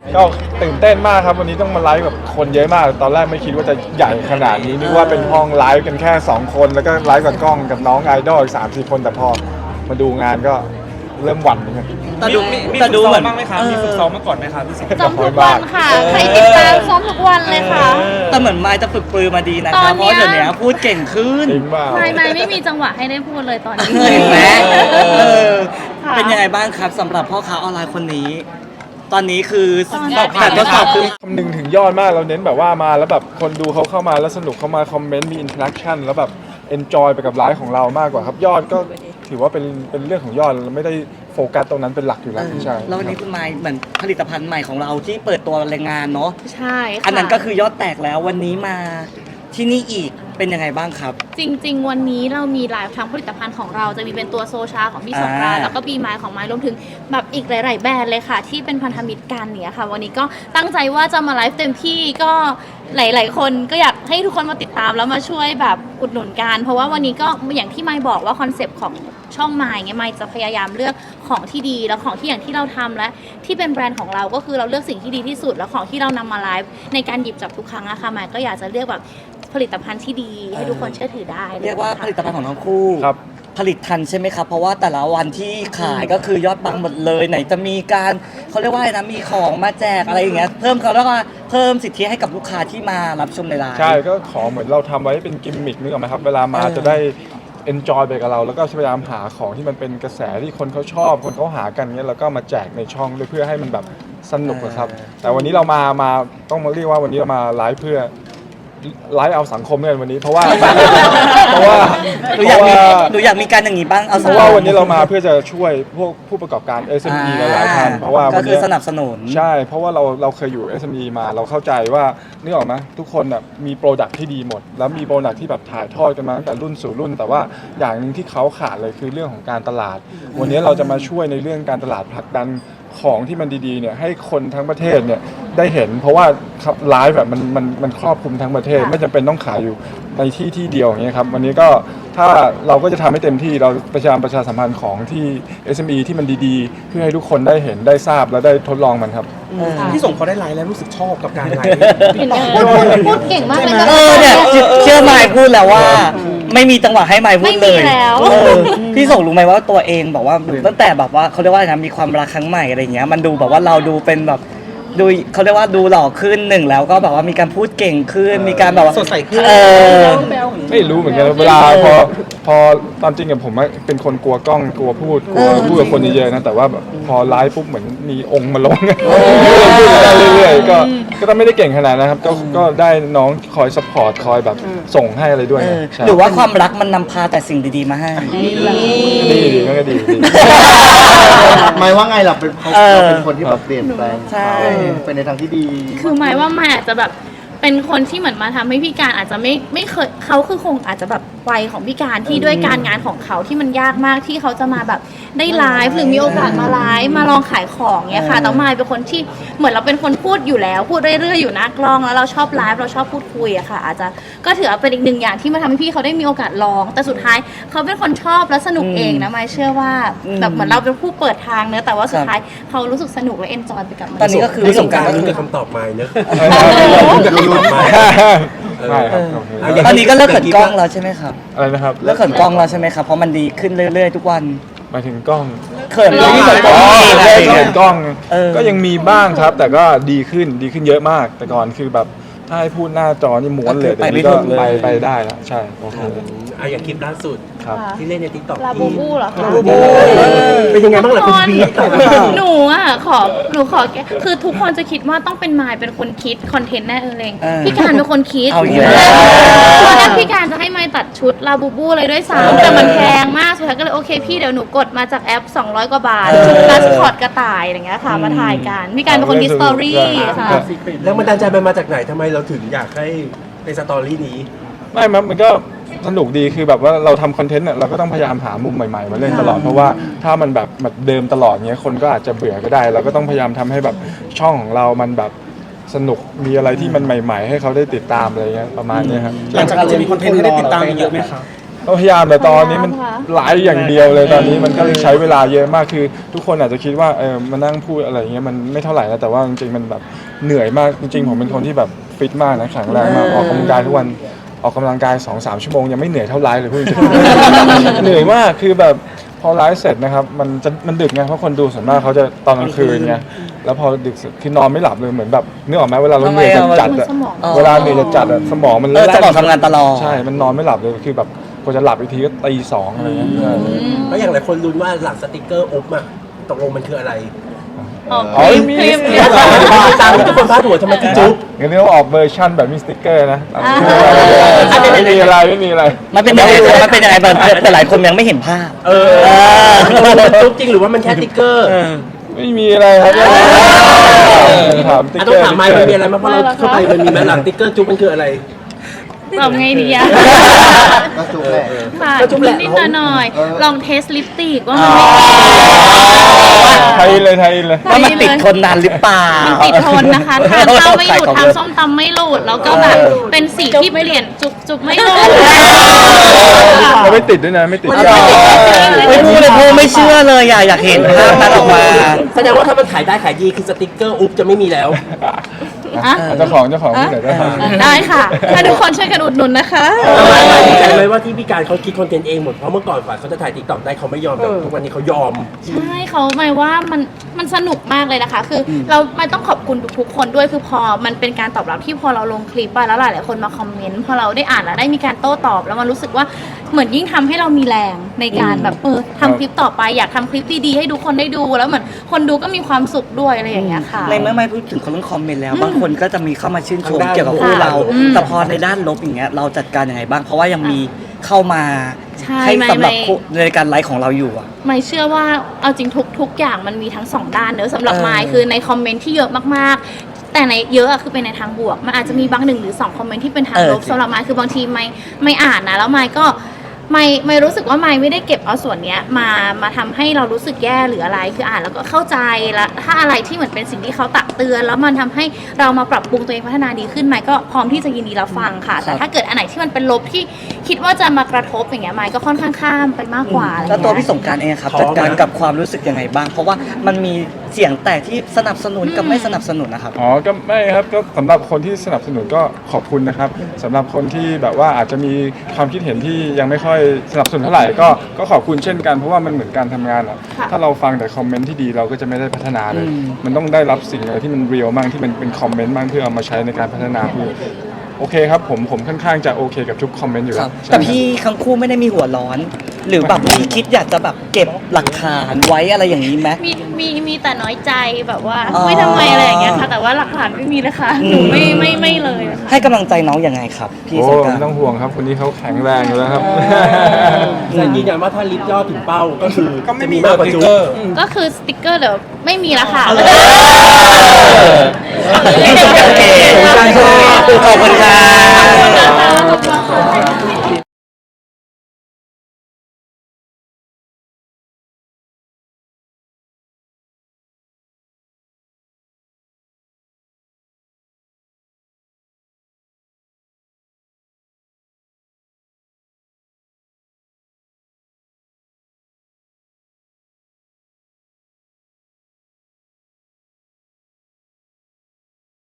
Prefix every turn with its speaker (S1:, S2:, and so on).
S1: ก็ตื่นเต้นมากครับวันนี้ต้องมาไลฟ์กับคนเยอะมากตอนแรกไม่คิดว่าจะใหญ่ขนาดนี้นึกว่าเป็นห้องไลฟ์กันแค่2คนแล้วก็ไลฟ์กับกล้องกับน้องไอดอลอีก3-4 คนแต่พอมาดูงานก็เริ่มหวั่นนะครับ
S2: แต่ดูเหมือนบ้างไหมครับมีฝึกซ้อมมาก่อนไหมครับพี่สิงห์
S3: ซ้อมทุกวันค่ะใครติดตามซ้อมทุกวันเลยค่ะ
S2: แต่เหมือนไมค์จะฝึกปรือมาดีนะครับเพราะเดี๋ยวนี้พูดเก่งขึ้น
S3: ไม่มีจังหวะให้ได้พูดเลยตอนนี้
S2: เห็นไหมเป็นยังไงบ้างครับสำหรับพ่อค้าออนไลน์คนนี้ตอนนี้คือแต่ทดสอบคือ
S1: คำนึงถึงยอดมากเราเน้นแบบว่ามาแล้วแบบคนดูเขาเข้ามาแล้วสนุกเข้ามาคอมเมนต์มีอินเทอร์แอคชั่นแล้วแบบเอนจอยไปกับไลฟ์ของเรามากกว่าครับยอดก็ถือว่าเป็นเรื่องของยอดเราไม่ได้โฟกัสตรงนั้นเป็นหลักอยู่แล้วใช่
S2: แล้ววันนี้คุณไมค์เหมือนผลิตภัณฑ์ใหม่ของเราที่เปิดตัวแรงงานเนาะ
S3: ใช่ค่ะ
S2: อันนั้นก็คือยอดแตกแล้ววันนี้มาที่นี่อีกเป็นยังไงบ้างครับ
S3: จริงๆวันนี้เรามีไลฟ์ทั้งผลิตภัณฑ์ของเราจะมีเป็นตัวโซชาของพี่สงกรานต์แล้วก็บีไมล์ของไมล์รวมถึงแบบอีกหลายๆแบรนด์เลยค่ะที่เป็นพันธมิตรกันเนี่ยค่ะวันนี้ก็ตั้งใจว่าจะมาไลฟ์เต็มที่ก็หลายๆคนก็อยากให้ทุกคนมาติดตามแล้วมาช่วยแบบอุดหนุนกันเพราะว่าวันนี้ก็อย่างที่ไมล์บอกว่าคอนเซปต์ของช่องไมล์ไมล์จะพยายามเลือกของที่ดีแล้วของที่อย่างที่เราทำและที่เป็นแบรนด์ของเราก็คือเราเลือกสิ่งที่ดีที่สุดแล้วของที่เรานำมาไลฟ์ในการหยิบจับทุกครั้งอะค่ะไมล์ก็อยากจะเลือกแบบผลิตภัณฑ์ที่ดีให้ทุกคนเชื่อถือได้
S2: เรียกว่าผลิตภัณฑ์ของทั้งคู่
S1: ครับ
S2: ผลิตทันใช่ไหมครับเพราะว่าแต่ละวันที่ขายก็คือยอดปังหมดเลยไหนจะมีการเขาเรียกว่าอะไรนะมีของมาแจกอะไรอย่างเงี้ยเพิ่มเขาเรียกว่าเพิ่มสิทธิให้กับลูกค้าที่มารับชมในร้าน
S1: ใช่ก็ของเหมือนเราทำไว้เป็นกิมมิคนึกออกไหมครับเวลามาจะได้enjoy ไปกับเราแล้วก็พยายามหาของที่มันเป็นกระแสที่คนเขาชอบคนเขาหากันเงี้ยแล้วก็มาแจกในช่องด้วยเพื่อให้มันแบบสนุกครับแต่วันนี้เรามาต้องมาเรียกว่าวันนี้เรามาไลฟ์เพื่อไลฟ์เอาสังคมเนี่ยวันนี้เพราะว่า
S2: หนูอยากมีการอย่างนี้บ้างเอา
S1: เพราะว่าวันนี้เรามาเพื่อจะช่วยพวกผู้ประกอบการ SME หลายๆท่านเพราะว่า
S2: ก็คือสนับสนุน
S1: ใช่เพราะว่าเราเคยอยู่ SME มาเราเข้าใจว่านึกออกไหมทุกคนน่ะมีโปรดักที่ดีหมดแล้วมีโปรดักที่แบบถ่ายทอดกันมาตั้งแต่รุ่นสู่รุ่นแต่ว่าอย่างนึงที่เขาขาดเลยคือเรื่องของการตลาดวันนี้เราจะมาช่วยในเรื่องการตลาดผลักดันของที่มันดีๆเนี่ยให้คนทั้งประเทศเนี่ยได้เห็นเพราะว่าไลฟ์แบบมันครอบคลุมทั้งประเทศไม่จำเป็นต้องขายอยู่ในที่เดียวอย่างเงี้ยครับวันนี้ก็ถ้าเราก็จะทำให้เต็มที่เราประชาสัมพันธ์ของที่ SME ที่มันดีๆเพื่อให้ทุกคนได้เห็นได้ทราบและได้ทดลองมันครับ
S4: ที่ส่งเขาได้ไลฟ์แล้วรู้สึกชอบกับการไลฟ์
S3: เห็นไหมพูดเก่งมากเลย
S2: เนี่ยเชื่อไมค์พูดแล้วว่าไม่มีจังหวะให้ไมค์พูดเลยพี่ส่งรู้ไหมว่าตัวเองบอกว่าตั้งแต่แบบว่าเขาเรียกว่ามีความรักครั้งใหม่อะไรเงี้ยมันดูแบบว่าเราดูเป็นแบบดูเขาเรียกว่าดูหล่อขึ้นหนึ่งแล้วก็แบบว่ามีการพูดเก่งขึ้นมีการแบบว่า
S4: สดใสขึ้น
S1: ไม่รู้เหมือนกันเวลาพอตามจริงกับผมเป็นคนกลัวกล้องกลัวพูดกับคนเยอะๆนะแต่ว่าพอไลฟ์ปุ๊บเหมือนมีองค์มาลงพูดได้เรื่อยๆก็ต้องไม่ได้เก่งขนาดนะครับก็ได้น้องคอยซัพพอร์ตคอยแบบส่งให้อะไรด้วย
S2: หรือว่าความรักมันนำพาแต่สิ่งดีๆมาให้
S1: ดีก็ดี
S5: หมายว่าไงเราเป็นคนที่แบบเปลี่ยนแปลงเป็นในทางที่ดี
S3: คือหมายว่าไม่อาจจะแบบเป็นคนที่เหมือนมาทำให้พี่การอาจจะไม่เคยเขาคือคงอาจจะแบบวัยของพี่การที่ด้วยการงานของเขาที่มันยากมากที่เขาจะมาแบบได้ไลฟ์หรือมีโอกาสมาไลฟ์มาลองขายของเนี่ยค่ะแต่มายเป็นคนที่เหมือนเราเป็นคนพูดอยู่แล้วพูดเรื่อยๆอยู่หน้ากล้องแล้วเราชอบไลฟ์เราชอบพูดคุยอะค่ะอาจจะก็ถือเป็นอีกหนึ่งอย่างที่มาทำให้พี่เขาได้มีโอกาสลองแต่สุดท้ายเขาเป็นคนชอบและสนุกเองนะมายเชื่อว่าแบบเหมือนเราเป็นผู้เปิดทางเนอะแต่ว่าสุดท้ายเขารู้สึกสนุกและเอนจอยไปกับมัน
S2: ตอนนี้ก็คือ
S4: ประสบการณ์ก็คือคำตอบมาเนอะ
S2: ตอนนี้ก็เลิกเขินกล้องแล้วใช่ไหมครับ
S1: อะไรนะครับ
S2: เลิกเขินกล้องแล้วใช่ไหมครับเพราะมันดีขึ้นเรื่อยๆทุกวัน
S1: หมายถึงกล้อง
S2: เขินกล้อง
S1: กล้องก็ยังมีบ้างครับแต่ก็ดีขึ้นเยอะมากแต่ก่อนคือแบบถ้าให้พูดหน้าจอนี่ม้วนเลยแต่นี้ก็ไปได้แล้วใช่โอเค
S4: อย่างคลิปล่าสุดที่เล่นใน TikTok
S3: ลาบูบูเหรอคะ
S4: เป็นยังไงบ้างล่ะคุณพีท
S3: หนูขอคือทุกคนจะคิดว่าต้องเป็นมายเป็นคนคิดคอนเทนต์แน่เลยพี่การเป็นคนคิดตอนแรกพี่การจะให้มายตัดชุดลาบูบูเลยด้วยซ้ำแต่มันแพงมากสุดท้ายก็เลยโอเคพี่เดี๋ยวหนูกดมาจากแอป200 กว่าบาทชุดมาสคอตกระต่ายอย่างเงี้ยค่ะมาถ่ายกันพี่การเป็นคนคิดสตอรี่ค่ะ
S4: แล้วมันดันใจมันมาจากไหนทำไมเราถึงอยากให้ในสตอรี่นี้
S1: ไม่มันก็สนุกดีคือแบบว่าเราทำคอนเทนต์เนี่ยเราก็ต้องพยายามหามุมใหม่ๆมาเล่นตลอดเพราะว่าถ้ามันแบบเดิมตลอดเงี้ยคนก็อาจจะเบื่อก็ได้เราก็ต้องพยายามทำให้แบบช่องของเรามันแบบสนุกมีอะไรที่มันใหม่ๆให้เขาได้ติดตามอะไรเงี้ยประมาณนี้ครับ
S4: หลังจากเราจะมีคอนเทนต์ให้ได้ติดตามเยอะไหมครับ
S1: ตก็พยายามแต่ตอนนี้มัน
S3: พยายามค่ะ
S1: ไลฟ์อย่างเดียวเลยตอนนี้มันก็เลยใช้เวลาเยอะมากคือทุกคนอาจจะคิดว่ามานั่งพูดอะไรเงี้ยมันไม่เท่าไหร่นะแต่ว่าจริงๆมันแบบเหนื่อยมากจริงๆผมเป็นคนที่แบบฟิตมากนะแข็งแรงมากออกกำลังกายทุกวันออกกำลังกาย 2-3 ชั่วโมงยังไม่เหนื่อยเท่าไลฟ์เลยพูดจริงๆ เหนื่อยมากคือแบบพอไลฟ์เสร็จนะครับมันดึกไงเพราะคนดูส่วนมากเขาจะตอนกลางคืนไงแล้วพอดึกเสร็จคือนอนไม่หลับเลยเหมือนแบบนึกออกไหมเวลาเราเหนื่อยจัดๆอะ
S3: สมอง
S1: เวลาเหนื่อยจัดๆอะสมองมัน
S2: สมองทำงานตลอด
S1: ใช่มันนอนไม่หลับเลยคือแบบกว่าจะหลับอีกทีก็ตี 2อะไรเงี้ยใช่
S4: แล้วอย่างหลายคนลุ้นว่าหลังสติกเกอร์อุ๊บอะตกลงมันคืออะไร
S3: อ๋อ
S1: อ๋อ
S3: คลิป
S4: ตามที่ทุกคนพาดหัวทำไมถึงจุ๊บ
S1: งั้นเรียกว่าออกเวอร์ชันแบบมีสติ๊กเกอร์นะ
S3: อ่า
S1: ไม่มีอะไรไม่มีอะไร
S2: มันเป็นยังไงมันเป็นยังไงแต่หลายคนยังไม่เห็นภาพ
S4: มันจุ๊บจริงหรือว่ามันแค่สติ๊กเกอร์
S1: ไม่มีอะไรครับถามสติ๊ก
S4: ต้
S1: เก
S4: อ
S1: อง ร์
S4: ถามไมค์มันมีอะไรไหมเพราะเราเข้าไปมันมีไหมหลังสติ๊กเกอร์จุ๊บมันคืออะไร
S3: ตอบไงดีอะ
S5: ก็จุกแหละ
S3: ค่ะ
S4: ก็จุ๊บแหละ
S3: นิดๆหน่อย
S5: เออ
S3: ๆลองเทสลิปสติกว่า
S2: อ๋
S3: มัน
S2: อ
S3: ไม่
S1: ไทยเลย
S2: ว่ามันติดทนนานหรือเปล่า
S3: มันติดทนนะคะทานข้าวไม่หลุดทานส้มตำไม่หลุดแล้วก็แบบเป็นสีที่เปลี่ยนจุกไม่หลุด
S1: เราไม่ติดด้วยนะไม่ติด
S2: ไม่พูดเลยพูดไม่เชื่อเลยอยากเห็นภาพนั้นออกมา
S4: แสดงว่าถ้ามันขายได้ขายดีคือสติ๊กเกอร์อุ๊บจะไม่มีแล้ว
S3: อ่ะ
S1: เจ้าของที่ไหนได้
S3: ได้ค่ะ ถ้าทุกคนช่วยกันอุดหนุนนะคะ
S4: ดีใจไหมว่าที่พี่การเขาคิดคอนเทนต์เองหมดเพราะเมื่อก่อนฝ่ายเขาจะถ่ายติ๊กต็อกได้เขาไม่ยอมแต่ทุกวันนี้เขายอม
S3: ใช่เขาหมายว่ามันสนุกมากเลยนะคะ คือเราไม่ต้องขอบคุณทุกๆคนด้วยคือพอมันเป็นการตอบรับที่พอเราลงคลิปไปแล้วหลายๆคนมาคอมเมนต์พอเราได้อ่านแล้วได้มีการโต้ตอบแล้วมันรู้สึกว่าเหมือนยิ่งทำให้เรามีแรงในการแบบทำคลิปต่อไปอยากทำคลิปดีๆให้ทุกคนได้ดูแล้วเหมือนคนดูก็มีความสุขด้วยอะไรอย่างเงี้ยค่ะ
S2: ในเมื่อไม่พูดถึงเรื่องคอมเมนต์แล้วบางคนก็จะมีเข้ามาชื่นชม
S4: ทางด้าน
S2: เกี่ยวกับคู่เรา
S3: อืม
S2: แต่พอในด้านลบอย่างเงี้ยเราจัดการยังไงบ้างเพราะว่ายังมีเข้ามา
S3: ใช่
S2: ให้สำหรับ
S3: ไม่
S2: คู่ในการไลฟ์ของเราอยู่อ่ะ
S3: ไม่เชื่อว่าเอาจริงทุกอย่างมันมีทั้งสองด้านเนอะสำหรับ
S2: เออ
S3: ไมค์คือในคอมเมนต์ที่เยอะมากๆ แต่ในเยอะอะคือเป็นในทางบวก มันอาจจะมีบางหนึ่งหรือ2คอมเมนต์ที่เป็นทางลบสำหรับไมค์คือบางทีไม่อ่านนะแล้วไมค์ก็ไม่รู้สึกว่าไม่ได้เก็บเอาส่วนเนี้ยมาทำให้เรารู้สึกแย่หรืออะไรคืออ่านแล้วก็เข้าใจแล้วถ้าอะไรที่เหมือนเป็นสิ่งที่เขาตักเตือน แล้วมันทำให้เรามาปรับปรุงตัวเองพัฒนาดีขึ้นไมค์ก็พร้อมที่จะยินดีรับฟังค่ะ แต่ถ้าเกิดอันไหนที่มันเป็นลบที่คิดว่าจะมากระทบอย่างเงี้ยไมค์ก็ค่อนข้างข้ามไปมากกว่าอะไร
S2: แล้ว
S3: เงี้ย
S2: ตัวพี่สงกรารเองครับ
S4: ท้อ
S2: จัดการ
S4: ไหม
S2: กับความรู้สึกยังไงบ้าง เพราะว่ามันมีเสียงแตกที่สนับสนุนกับไม่สนับสนุนนะครับ
S1: อ๋อก็ไม่ครับก็สำหรับคนที่สนับสนุนก็ขอบคุณนะครับสำหรับคนที่แบบว่าอาจจะมีความคิดเห็นที่ยังไม่ค่อยสนับสนุนเท่าไหร่ก็ขอบคุณเช่นกันเพราะว่ามันเหมือนการทำงานอะ
S3: ค่ะ
S1: ถ้าเราฟังแต่คอมเมนต์ที่ดีเราก็จะไม่ได้พัฒนาเลย มันต้องได้รับสิ่งอะไรที่มันเรียลบ้างที่มันเป็นคอมเมนต์บ้างเพื่อเอามาใช้ในการพัฒนาคือโอเคครับผมค่อนข้างจะโอเคกับทุกคอมเมนต์อยู่
S2: ค
S1: แล้
S2: รั
S1: ว
S2: บ
S1: ใช่
S2: แต่
S1: ครับ
S2: พี่ทั้งคู่ไม่ได้มีหัวร้อน หรือแบบมีคิดอยากจะแบบเก็บหลักฐานไว้อะไรอย่างนี้ไหม
S3: มีแต่น้อยใจแบบว่า
S2: อ๋อ
S3: ไม่ทำไมอะไรอย่างเงี้ยค่ะ แต่ว่าหลักฐานไม่มีเลยค่ะ หนูไม่เลยค่ะ
S2: ให้กำลังใจน้องยังไงครับ พี่
S1: โอ้
S2: สงกราร
S1: ไม่ต้องห่วงครับคนนี้เขาแข็งแรงอยู่แล้วครับ
S4: แต่ยืนยันว่าถ้าลิฟต์ยอดถึงเป้าก็คือจะมีมากกว่าจุ๊บ
S3: ก็คือสติกเกอร์เดี๋ยวไม่มีแล้วค่ะ
S2: โอเคขอบคุณครับ
S3: ขอบคุณค่ะ